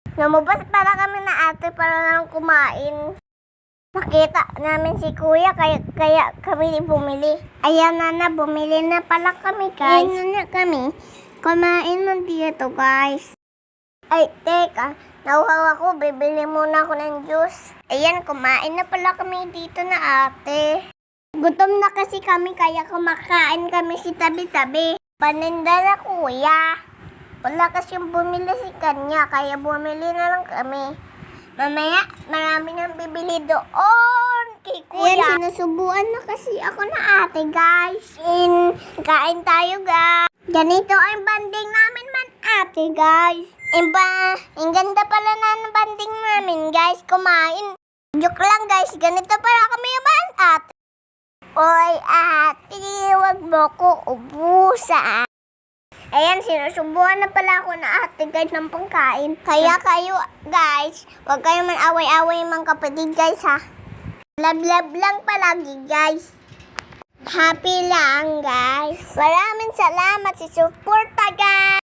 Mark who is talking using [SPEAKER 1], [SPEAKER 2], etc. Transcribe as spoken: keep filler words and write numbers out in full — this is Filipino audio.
[SPEAKER 1] Lumabas para kami na ate para lang kumain. Nakita namin si kuya kaya, kaya kami bumili. Ayan na na, bumili na pala kami guys. Ayan na kami. Kumain na dito guys. Ay, teka. Nauhaw ako, bibili muna ako ng juice. Ayan, kumain na pala kami dito na ate. Gutom na kasi kami kaya kumakain kami si tabi-tabi. Paninda na kuya. Wala kasi yung bumili si kanya, kaya bumili na lang kami. Mamaya, marami nang bibili doon kay kuya. Ayan, sinusubuan na kasi ako na ate, guys. In, kain tayo, guys. Ganito ang banding namin man, ate, guys. Iba, ang ganda pala na ng banding namin, guys. Kumain. Joke lang, guys. Ganito pala kami man, ate. Oy, ate, wag mo ko ubusan. Ayan, sinusubuan na pala ako na ate guys ng pangkain. Kaya kayo guys, huwag kayo man away-away mga kapatid guys ha. Love love lang palagi guys. Happy lang guys. Maraming salamat sa suporta guys.